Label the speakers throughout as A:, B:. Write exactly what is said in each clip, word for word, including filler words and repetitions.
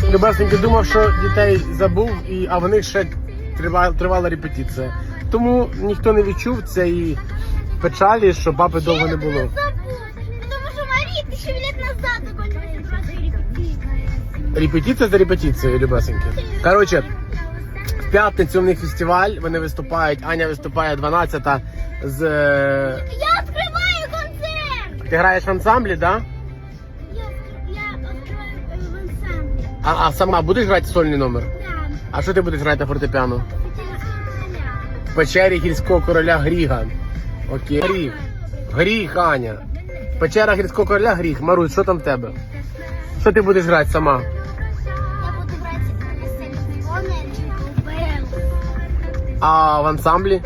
A: Любесенький думав, що дітей забув, і, а в них ще тривала, тривала репетиція. Тому ніхто не відчув цієї печалі, що папи довго не було.
B: Потому что Мария тысячу лет назад закончилась просто репетиция.
A: Репетиція за репетицією, любесенькі. Коротше, в п'ятницю у них фестиваль, вони виступають, Аня виступає дванадцята з...
B: Я открываю концерт!
A: Ти граєш в ансамблі, так? Да?
B: Я, я открываю э, в ансамбле.
A: А, а сама будеш грати сольний номер?
B: Да.
A: А що ти будеш грати на фортепіано?
B: Короля.
A: В печері гірського короля Гріга. Окей. Гріх. Гріх, Аня. Печера гірського короля Гріх. Марусь, що там в тебе? Що ти будеш грати сама?
B: Я буду брать саксофон и бэл.
A: А в ансамблі?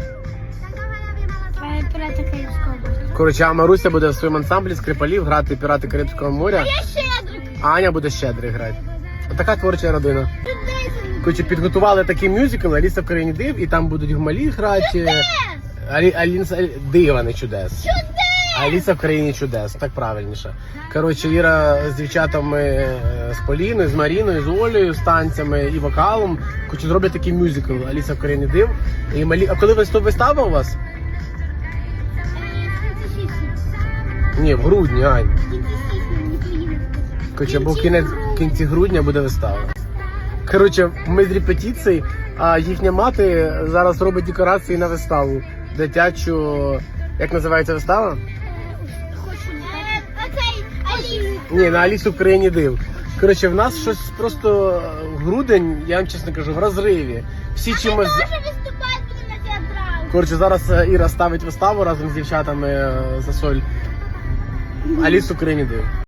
B: Пираты Карибского.
A: Коротше, а Маруся буде в своєму ансамблі скрипалів грати «Пірати Карибського моря»,
B: Я щедрик.
A: а Аня буде щедрий грати. Така творча родина. Коротше, підготували такий мюзикл «Аліса в країні див», і там будуть гмалі грати. Алі, Аліса, дива, не чудес. Аліса в країні чудес, так правильніше. Коротше, Іра з дівчатами, е, з Поліною, з Маріною, з Олею, з танцями і вокалом. Коротше, зроблять такий мюзикл «Аліса в країні див». І малі... А коли виступ вистава у вас? Ні, в грудні, Ань. Коротше, бо в кінець, в кінці грудня буде вистава. Коротше, ми з репетицій, а їхня мати зараз робить декорації на виставу. Дитячу... Як називається вистава? Ні, на Алісу в країні див. Коротше, в нас щось просто в грудень, я вам чесно кажу, в розриві. Всі чимось...
B: Тоже выступать буду на театрале.
A: Коротше, зараз е, Іра ставить виставу разом з дівчатами е, за соль. Алісу в країні див.